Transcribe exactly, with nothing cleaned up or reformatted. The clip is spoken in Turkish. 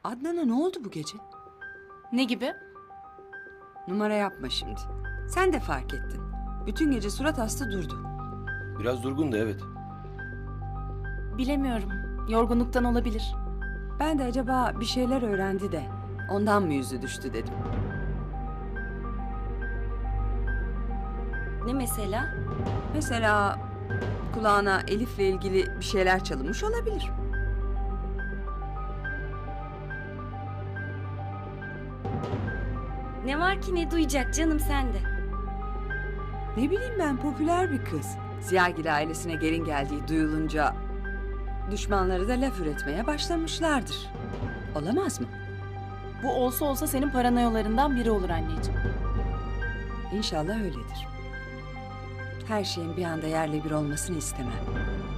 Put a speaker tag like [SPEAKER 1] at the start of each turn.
[SPEAKER 1] Adnan'a ne oldu bu gece?
[SPEAKER 2] Ne gibi?
[SPEAKER 1] Numara yapma şimdi. Sen de fark ettin. Bütün gece surat hasta durdu.
[SPEAKER 3] Biraz durgun da evet.
[SPEAKER 2] Bilemiyorum. Yorgunluktan olabilir.
[SPEAKER 1] Ben de acaba bir şeyler öğrendi de ondan mı yüzü düştü dedim.
[SPEAKER 4] Ne mesela?
[SPEAKER 1] Mesela kulağına Elif'le ilgili bir şeyler çalınmış olabilir.
[SPEAKER 4] Ne var ki ne duyacak canım sende?
[SPEAKER 1] Ne bileyim ben, popüler bir kız. Ziyagil ailesine gelin geldiği duyulunca düşmanları da laf üretmeye başlamışlardır. Olamaz mı?
[SPEAKER 2] Bu olsa olsa senin paranoyalarından biri olur anneciğim.
[SPEAKER 1] İnşallah öyledir. Her şeyin bir anda yerle bir olmasını istemem.